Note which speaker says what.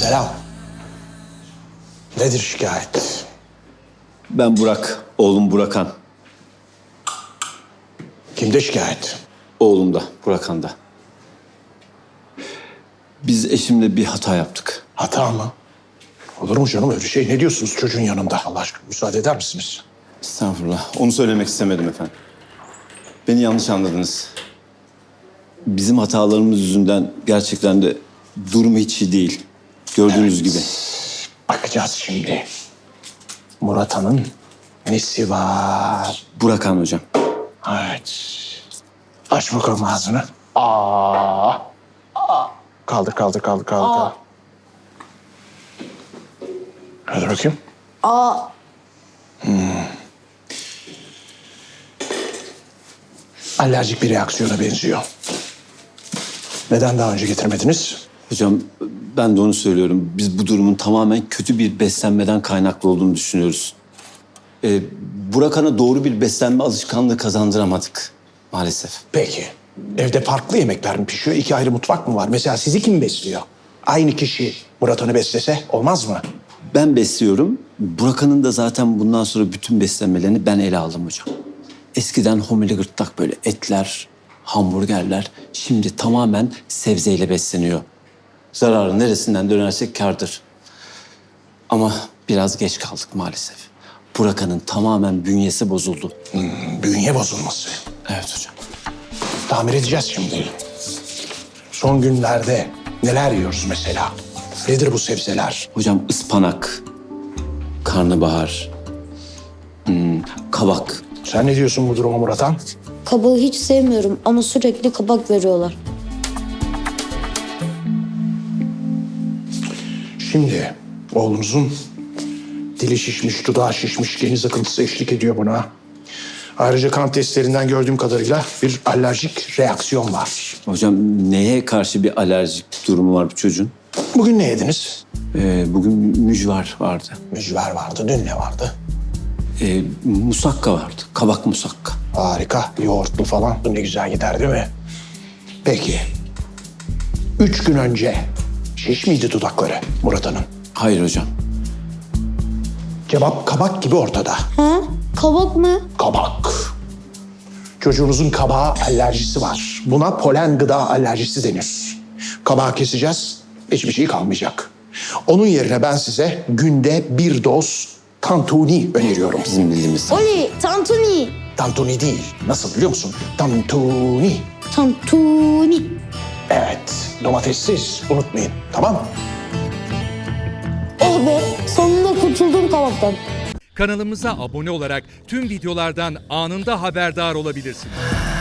Speaker 1: Selam. Nedir şikayet?
Speaker 2: Ben Burak, oğlum Burakan.
Speaker 1: Kimde şikayet?
Speaker 2: Oğlum da, Burakan da. Biz eşimle bir hata yaptık.
Speaker 1: Hata mı? Olur mu canım öyle şey? Ne diyorsunuz çocuğun yanında? Allah aşkına müsaade eder misiniz?
Speaker 2: Estağfurullah, onu söylemek istemedim efendim. Beni yanlış anladınız. Bizim hatalarımız yüzünden gerçekten de durumu hiç iyi değil. Gördüğünüz gibi.
Speaker 1: Bakacağız şimdi. Murat Han'ın nesi var?
Speaker 2: Burakan hocam.
Speaker 1: Evet. Aç bakalım ağzını. Aa. Kaldır. Hadi bakayım. Alerjik bir reaksiyona benziyor. Neden daha önce getirmediniz?
Speaker 2: Hocam ben de onu söylüyorum. Biz bu durumun tamamen kötü bir beslenmeden kaynaklı olduğunu düşünüyoruz. Burakan'a doğru bir beslenme alışkanlığı kazandıramadık maalesef.
Speaker 1: Peki. Evde farklı yemekler mi pişiyor? İki ayrı mutfak mı var? Mesela sizi kim besliyor? Aynı kişi Murat Han'ı beslese olmaz mı?
Speaker 2: Ben besliyorum. Burakan'ın da zaten bundan sonra bütün beslenmelerini ben ele aldım hocam. Eskiden homili gırtlak böyle etler, hamburgerler. Şimdi tamamen sebzeyle besleniyor. Zararı neresinden dönersek kârdır. Ama biraz geç kaldık maalesef. Burakan'ın tamamen bünyesi bozuldu.
Speaker 1: Bünye bozulması.
Speaker 2: Evet hocam.
Speaker 1: Tamir edeceğiz şimdi. Son günlerde neler yiyoruz mesela? Nedir bu sebzeler?
Speaker 2: Hocam ıspanak, karnabahar, kabak.
Speaker 1: Sen ne diyorsun bu duruma Murat Han?
Speaker 3: Kabağı hiç sevmiyorum ama sürekli kabak veriyorlar.
Speaker 1: Şimdi oğlunuzun dili şişmiş, dudağı şişmiş, geniz akıntısı eşlik ediyor buna. Ayrıca kan testlerinden gördüğüm kadarıyla bir alerjik reaksiyon var.
Speaker 2: Hocam neye karşı bir alerjik durumu var bu çocuğun?
Speaker 1: Bugün ne yediniz?
Speaker 2: Bugün mücver vardı.
Speaker 1: Mücver vardı, dün ne vardı?
Speaker 2: Musakka vardı. Kabak musakka.
Speaker 1: Harika, yoğurtlu falan. Ne güzel gider değil mi? Peki, 3 gün önce şiş miydi dudakları Murat Han'ın?
Speaker 2: Hayır hocam.
Speaker 1: Cevap kabak gibi ortada.
Speaker 3: Ha? Kabak mı?
Speaker 1: Kabak. Çocuğunuzun kabağa alerjisi var. Buna polen gıda alerjisi denir. Kabağı keseceğiz, hiçbir şey kalmayacak. Onun yerine ben size günde bir doz tantuni öneriyorum.
Speaker 2: Bizim bildiğimiz.
Speaker 3: Oley, tantuni.
Speaker 1: Tantuni değil, nasıl biliyor musun? Tantuni.
Speaker 3: Tantuni.
Speaker 1: Evet, domatessiz unutmayın, tamam mı?
Speaker 3: Oh be, sonunda kurtuldum kabaktan.
Speaker 4: Kanalımıza abone olarak tüm videolardan anında haberdar olabilirsiniz.